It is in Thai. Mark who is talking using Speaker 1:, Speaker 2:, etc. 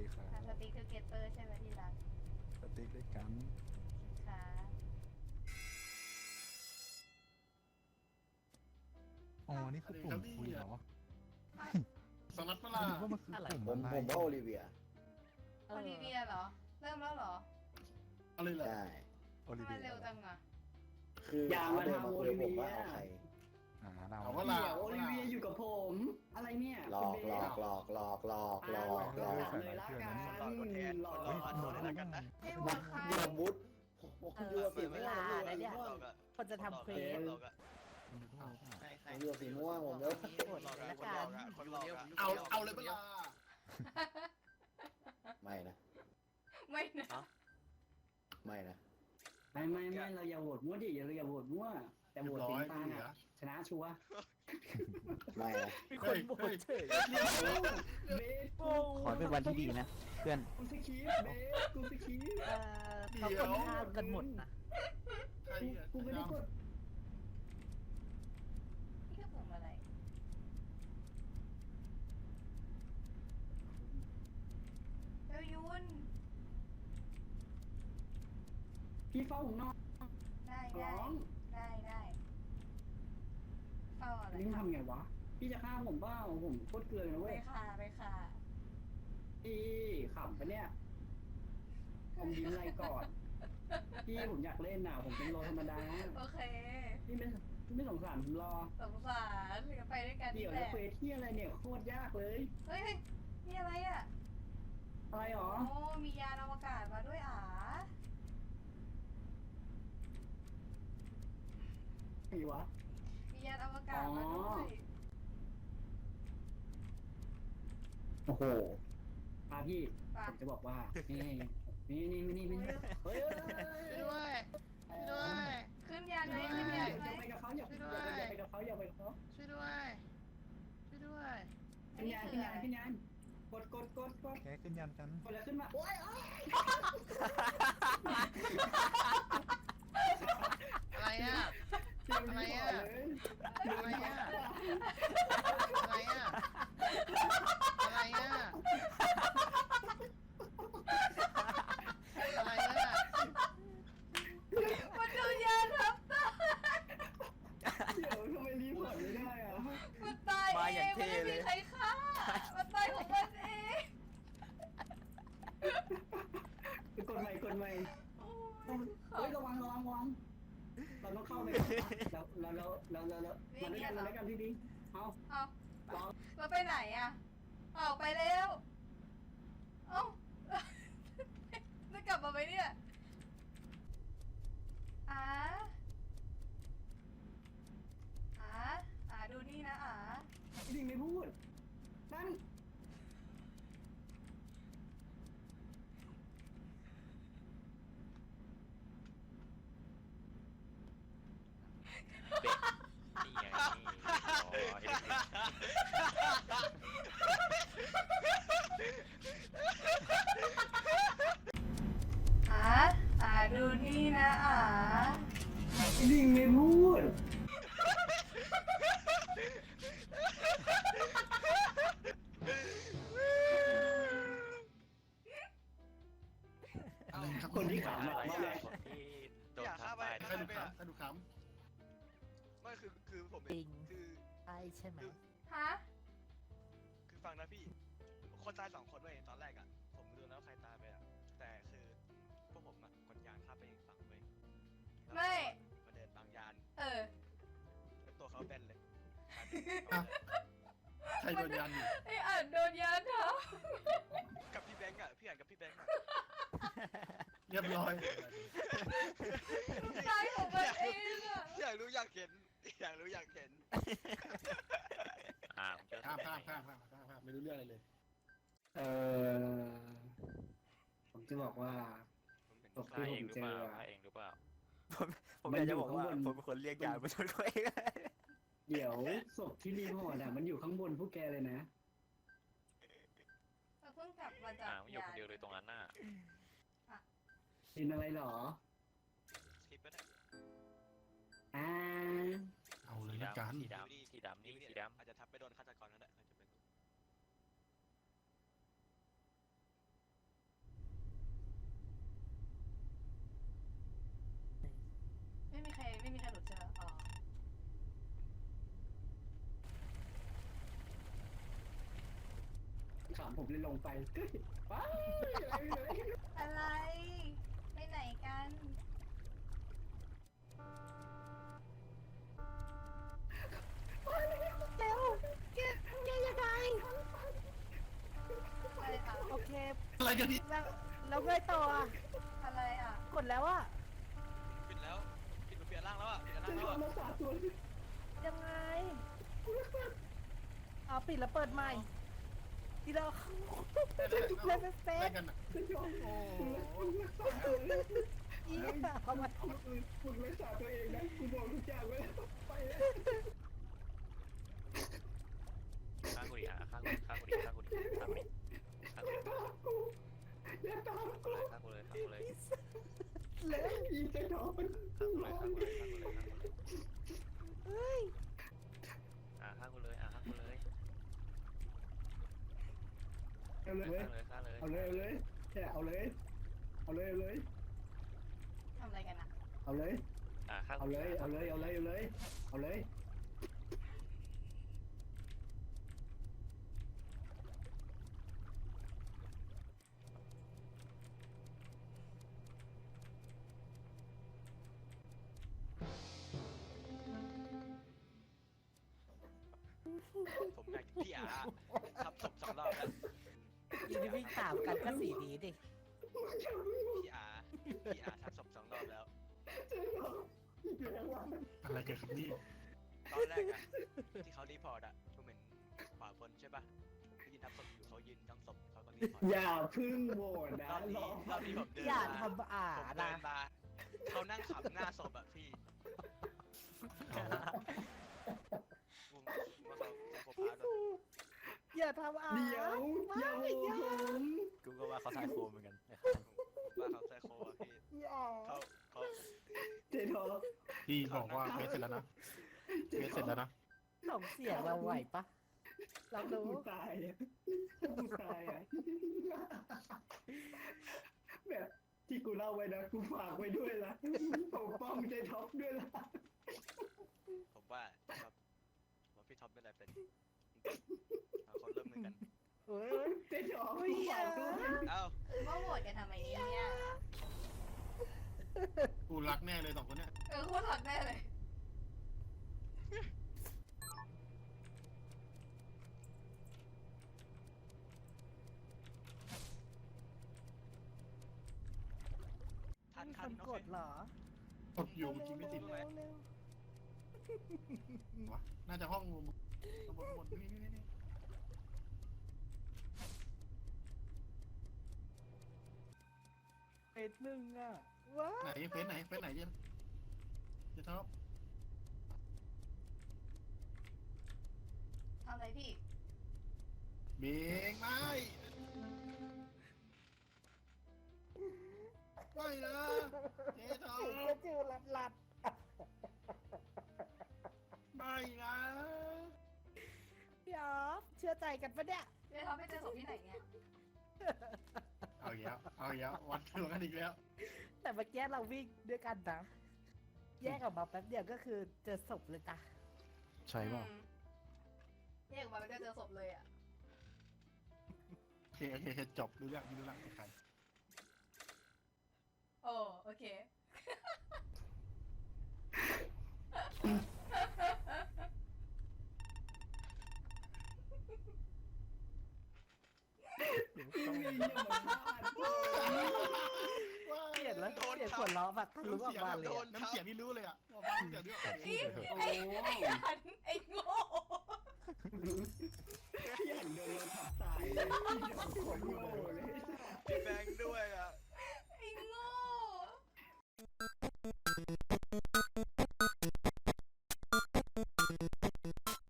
Speaker 1: ดีครับ
Speaker 2: สติ๊กทูเกเตอร์ใช่ไหมที่รัก
Speaker 1: สติ๊กด้วยกัน
Speaker 2: ค่ะ
Speaker 1: อ๋อนี่คือปุ่มคุยเหรอ
Speaker 3: สลัดปลา
Speaker 1: ไม่รู้ว่ามันคือปุ่ม
Speaker 4: ผม
Speaker 1: อะไร
Speaker 4: ว่าโอลิเวีย
Speaker 2: โอลิเวียเหรอ เริ่มแล้วเหรอ
Speaker 3: อะไรล่ะ
Speaker 4: ใช่
Speaker 1: โอลิ
Speaker 2: ทำไม
Speaker 1: เวีย
Speaker 2: เร็วจังอ่ะ
Speaker 4: คือเขาเดินมาคุยกับผมว่าเอาใคร
Speaker 1: เรา
Speaker 3: เอาก็
Speaker 5: เดี๋
Speaker 3: ลา
Speaker 5: ยวโอลิเวียอยู่กับผม อะไรเนี่ย
Speaker 4: หลอกหลอกหลอกหลอกหลอกหลอกหลอก
Speaker 5: เลยละกันหลอก
Speaker 1: เฮ้ย
Speaker 6: โดนแล้วกันนะ
Speaker 2: ไอ้วั
Speaker 4: มั
Speaker 2: วน ใคร
Speaker 4: ยอมมุดผมอยู่กับสีม่วง
Speaker 6: คนจะทำเควส
Speaker 4: ผมอยู่กับสีม่วงผมเลิก
Speaker 3: เอาเลยปลา
Speaker 4: ไม่นะ
Speaker 2: ไม่นะ
Speaker 4: ไม่นะ
Speaker 5: ไม่เราอย่าโหวตมั่วดิเราอย่าโหวตมั่วแต่โหวตสีตาลอ่ะชนะชัวร์
Speaker 4: ไม่นะ
Speaker 6: มีคนโหวตเฉย
Speaker 5: เบส
Speaker 7: ขอเป็นวันที่ดีนะ เพื่อน
Speaker 5: กูสกีเบสกูสกี
Speaker 6: เขาคนข้ามกันหมดนะ
Speaker 3: ใครอ่ะ
Speaker 5: กูไม่ได้กด
Speaker 2: นี่คือผมอะไรเจ้ายุน
Speaker 5: พี่เฝ้าของน้อง
Speaker 2: ได้
Speaker 5: ร้อง
Speaker 2: ได้เฝ้าอะไร
Speaker 5: นี่ทำไงวะพี่จะฆ่าผมเปล่าผมโคตรเกลือเลยนะ
Speaker 2: ไป
Speaker 5: เว้ย
Speaker 2: ค่ะ
Speaker 5: พี่ขำปะเนี่ยผมยิ้มอะไรก่อนพี่ผมอยากเล่นน่ะผมเป็นโลธรรมดา
Speaker 2: โอเค
Speaker 5: พี่ไม่สงสารผมรอ
Speaker 2: สงสารก็ไปด้วยกัน
Speaker 5: เดี๋
Speaker 2: นี่
Speaker 5: ยว
Speaker 2: แห
Speaker 5: จะ
Speaker 2: ละ
Speaker 5: เควสที่อะไรเนี่ยโคตรยากเลย
Speaker 2: เฮ้ยนี่อะไรอ่ะ
Speaker 5: อะไรหรอ
Speaker 2: โอ้มียานอวกาศมาด้วยอ่ะ
Speaker 5: ไงวะ
Speaker 2: มียานอวกาศมาด้วย
Speaker 5: โอ้โหพี่
Speaker 2: ป่ะ
Speaker 5: ผมจะบอกว่า นี่เฮ้ย
Speaker 6: ด้วยด้วย
Speaker 2: ขึ้นยานไหมขึ้นยานไหม
Speaker 5: อย่าไปกับเขาอย่าไปกับเขาอย่าไปกับเขา
Speaker 6: ช่วยด้วยช่วยด้วย
Speaker 5: ขึ้นยานกด
Speaker 1: แกขึ้นยันกัน
Speaker 5: กดแล้วขึ้นมาโอ้ย
Speaker 6: อะไรอ่ะ
Speaker 5: เสียงดีกว่าเลย
Speaker 6: อะไรอ่ะอะไรอ่ะอะไรอ่ะอะไรอ่ะ
Speaker 2: มันโดนยานทับตาย
Speaker 5: เดี๋ยวทำไมรีพอร์ตไม่ได้อะ
Speaker 2: มันตายเองมันไม่มีใครฆ่ามันตายของมันเอง
Speaker 5: กดใหม่
Speaker 2: โอ้
Speaker 5: เฮ้ยระวังเราต้องเข้าไปแล้วมาด้วยกันพี่เอา
Speaker 2: เอาเราไปไหนอ่ะเอาไปแล้วเอ้าจะกลับมาไหมเนี่ยดูนี่นะ
Speaker 5: จริงไม่พูดนั่น
Speaker 8: นี่ไง
Speaker 2: ดูนี่นะ
Speaker 5: จริงไม่พูด
Speaker 3: อะไรครับ
Speaker 5: คนที่ขำอะมาเลย
Speaker 8: ที่โดนทำไป
Speaker 3: ใครดูขำ
Speaker 8: ไม่คือผม
Speaker 6: จริง
Speaker 8: คือ
Speaker 6: ใช่ใช่ไหม
Speaker 2: ฮะ
Speaker 8: คือฟังนะพี่คนตาย2 คนเว้ยตอนแรกอ่ะผมดูแล้วใครตายไปอ่ะแต่คือพวกผมอ่ะกดยานข้ามไปอีกฝั่งเว้ยมาเดินบางยานแล้วตัวเขาแบนเลย
Speaker 3: ใครโดนยันอยู่
Speaker 2: ไอ้อ่านโดนยานทับ
Speaker 8: กับพี่แบงค์อ่ะพี่อ่านกับพี่แบงค์อ่ะ
Speaker 3: เรียบร้อย
Speaker 2: ตายของมันเองอ่ะ
Speaker 8: อยากรู้อยากเห็น
Speaker 3: ข้ามไม่รู้เรื่องอะไรเลย
Speaker 5: ผมจะบอกว่า
Speaker 8: ผมเป็น
Speaker 5: ตกที่ผมเจอ
Speaker 8: เองหรือเปล่า
Speaker 7: ผมอยากจะบอกว่าผมเป็นคนเรียกยานมาชนเขาเอง
Speaker 5: เดี๋ยวศพที่รีพอร์ตอ่ะมันอยู่ข้างบนพวกแกเลยนะ
Speaker 2: เราเพิ่งกลับมาจาก
Speaker 8: อยู่คนเดียวเลยตรงนั้นน่ะ
Speaker 5: เป็นอะไรหรอ
Speaker 8: สกิปก็ได้
Speaker 3: เอาเลยละกัน
Speaker 8: สีดำนี่สีดำอาจจะทับไปโดนฆาตกรก็ได้อาจจะเป็น
Speaker 5: ผมเลยลงไปไปอะไรเลย
Speaker 2: อะไร ไปไหนกัน
Speaker 9: เร็วแกยังไง
Speaker 2: อะไรคะ
Speaker 9: โอเค
Speaker 3: อะไรกันพี่
Speaker 9: แล้วไงต่ออ่ะ
Speaker 2: อะไรอ่ะ
Speaker 9: กดแล้วอ่ะ
Speaker 8: ปิดแล้วปิดเปลี่ยนร่างแล้วอ่ะเปลี่ยนร่าง
Speaker 5: จะ
Speaker 8: แล้ว
Speaker 5: ทำ
Speaker 8: อ่ะ
Speaker 5: มาสาตัว
Speaker 9: ยังไงเอาปิดแล้วเปิดใหม่ทีเราเล่นเป็นเฟ
Speaker 3: อะไร
Speaker 9: ส
Speaker 3: กันอ่ะ
Speaker 5: จะยอม
Speaker 3: โอ้
Speaker 9: อีเอามา
Speaker 5: มึงรักษาตัวเองนะกูบอกทุกอย่างไว้แล้วไปเลย
Speaker 7: ข้างกูดิข้างกูดิข้างกูดิข้างกูดิข้างกูดิข้างกูดิ
Speaker 5: อย่าตามกู
Speaker 7: ข้างกูเลยข้างกูเลย
Speaker 5: เลยอีเจ๊ทองมัน
Speaker 7: ข้างกูเลยข้างกูเลยข้างกูเลยข้างกูเลย
Speaker 9: เฮ้ย
Speaker 7: ข้างกูเลยข้างกูเลย
Speaker 5: เอาเลย
Speaker 7: ข้างเลย
Speaker 5: เอาเลยเอาเลยเนี่ยเอาเลยเอาเลยเอาเลย
Speaker 2: ทำอะไรกันอ่ะ
Speaker 5: เอาเลย
Speaker 7: ข้าง
Speaker 5: เอาเลยเอาเลยเอาเลยเอาเลยเอาเลย
Speaker 8: ผมอยากพี่อาทำศพ2 รอบแล้ว
Speaker 9: ยืนวิ่งตามกันก็สีนี้ดิ
Speaker 8: พี่อาทำศพ2 รอบแล้ว
Speaker 3: อะไรกันครับนี่
Speaker 8: ตอนแรกอะที่เขารีพอร์ตอะผมเห็นขวาบนใช่ปะเขายืนทำศพอยู่เขายืนทั้งศพเขาก็รีพอร์ต
Speaker 5: อย่าพึ่งโหวตนะ
Speaker 8: รอบนี้
Speaker 5: รอ
Speaker 8: ผมเดิน
Speaker 9: อย่า
Speaker 8: มา
Speaker 9: ทำอ่า
Speaker 8: ผมเดิ
Speaker 9: นะ
Speaker 8: นมาเขานั่งขำหน้าศพอะพี่ผมว่าเขาใช้โคพาร์ต
Speaker 9: อย่าทำอ่า
Speaker 5: เดี๋ยวอย่าโหวตผม
Speaker 7: กูก็ว่าเขาทายโคเหมือนกัน
Speaker 8: ว่าเขาใช้โคอะพี่
Speaker 9: อย่า
Speaker 8: เขา
Speaker 5: เจ๊ทอง
Speaker 3: พี่บอกว่าเควสเสร็จแล้วนะเควสเสร็จแล้วนะ
Speaker 9: ส่งเสียงเราไหวปะเราดู
Speaker 5: กูตายอ่ะกูตายอ่ะแบบที่กูเล่าไว้นะกูฝากไว้ด้วยละปกป้องเจ๊ท็อปด้วยละ
Speaker 8: ผมว่าพี่ท็อปเป็นอะไรเป็นเอาเขาเริ่มมือกัน
Speaker 9: เฮ้ย
Speaker 5: เจ๊ท็อป
Speaker 9: อุ้ยอย่า
Speaker 8: เอ้า
Speaker 2: ว่าโหวตกันทำไมเนี่ย
Speaker 3: กูรักแน่เลย2 คนเนี้ย
Speaker 2: โคตรหลักแน่เลย
Speaker 8: ทัน
Speaker 9: มี
Speaker 8: ทั
Speaker 9: คน น
Speaker 8: โอก เค
Speaker 9: ดเหรอ
Speaker 3: กดอยู่เมื่อกี้ไม่ติด
Speaker 9: เร็ว
Speaker 3: วะน่าจะห้องบนนี่
Speaker 9: เฟสหนึ่งอ่ะว้า
Speaker 3: ไหนเฟสไหนเฟสไหนเจ๊ท็อป
Speaker 2: ทำอะไรพี่
Speaker 3: เบงไม่ไม่นะเจ๊ท็อ
Speaker 9: ถึง
Speaker 3: ป
Speaker 9: จะจือหลัด
Speaker 3: ไม่นะ
Speaker 9: พี่ออฟเชื่อใจกันปะเนี่ย
Speaker 2: เดี๋ยวทำให้เจอศพที่ไหนเนี่ย
Speaker 3: เอาอีกแล้ววัดตัวกันอีกแล้ว
Speaker 9: แต่เมื่อกี้เราวิ่งด้วยกันนะแยกออกมาแป๊บเดียวก็คือเจอศพเลยจ้ะ
Speaker 1: ใช่ป่ะ
Speaker 2: แยกออกมาแล้วก็เจอศพเลยอ่ะ
Speaker 3: โอเคจบรู้เรื่องใคร
Speaker 2: โอ้โอเค
Speaker 5: ต้องมีอย่างมันพลาด
Speaker 9: เปลี่ยนแล้วเปลี่ยนขวดล้อแบบทะลุออกมาเลยอะ
Speaker 3: น้ำเสียงนี่รู้เลยอ่ะว่าบ้านเสียงนี่
Speaker 5: โอ้
Speaker 2: ไอ้โง่
Speaker 5: พี่หันโดนเราทับตายเลยพี่โดนคนอยู่เลย